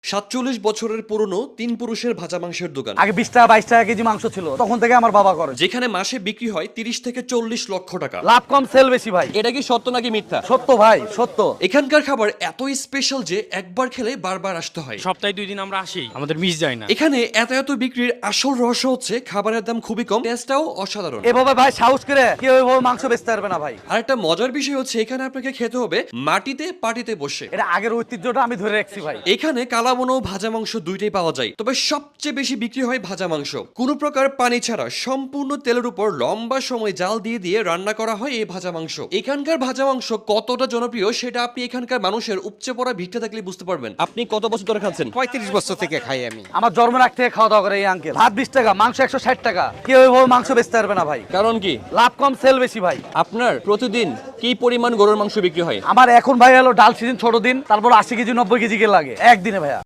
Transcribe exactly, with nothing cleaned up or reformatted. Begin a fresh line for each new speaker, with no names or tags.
সাতচল্লিশ বছরের পুরনো তিন পুরুষের ভাজা মাংসের দোকান,
আগে বিশ টাকা বাইশ টাকা কেজি মাংস ছিল, তখন থেকে আমার বাবা করে।
যেখানে মাসে বিক্রি হয় তিরিশ থেকে চল্লিশ লক্ষ টাকা।
লাভ কম সেল বেশি ভাই।
এটা কি সত্য নাকি মিথ্যা?
সত্য ভাই, সত্য।
এখানকার খাবার এতই স্পেশাল যে একবার খেলে বারবার আসতে হয়।
সপ্তাহে দুই দিন আমরা আসি, আমাদের মিস যায় না।
এখানে এত এত বিক্রির আসল রহস্য হচ্ছে খাবারের দাম খুবই কম, টেস্টটাও অসাধারণ।
এভাবে ভাই সাহস করে কেউ এভাবে মাংস বেচতে পারবে না ভাই।
আর একটা মজার বিষয় হচ্ছে এখানে আপনাকে খেতে হবে মাটিতে পাটিতে বসে।
এটা আগের ঐতিহ্যটা আমি ধরে রাখছি ভাই।
এখানে কালাবোনা ও ভাজা মাংস দুইটাই পাওয়া যায়, তবে সবচেয়ে বেশি বিক্রি হয় ভাজা মাংস। কোনো প্রকার পানি ছাড়া সম্পূর্ণ তেলের উপর লম্বা সময় জাল দিয়ে দিয়ে রান্না করা হয় এই ভাজা মাংস। এখানকার ভাজা মাংস কতটা জনপ্রিয় সেটা আপনি এখানকার মানুষের উপচে পড়া ভিড়টা দেখলে বুঝতে পারবেন।
আপনি কত বছর ধরে খাচ্ছেন?
পঁয়ত্রিশ বছর থেকে খাই আমি।
আমার জন্ম রাখ থেকে খাওয়া দাওয়া করে এই আঙ্কেল। ভাত বিশ টাকা, মাংস একশো ষাট টাকা। কেউ এভাবে মাংস বেচতে পারবে না ভাই।
কারণ কি?
লাভ কম সেল বেশি ভাই।
আপনার প্রতিদিন কি পরিমাণ গরুর মাংস বিক্রি হয়?
আমার এখন ভাই হলো ডাল সিজন ছোট দিন, তারপর আশি কেজি নব্বই কেজি কে লাগে একদিনে ভাইয়া।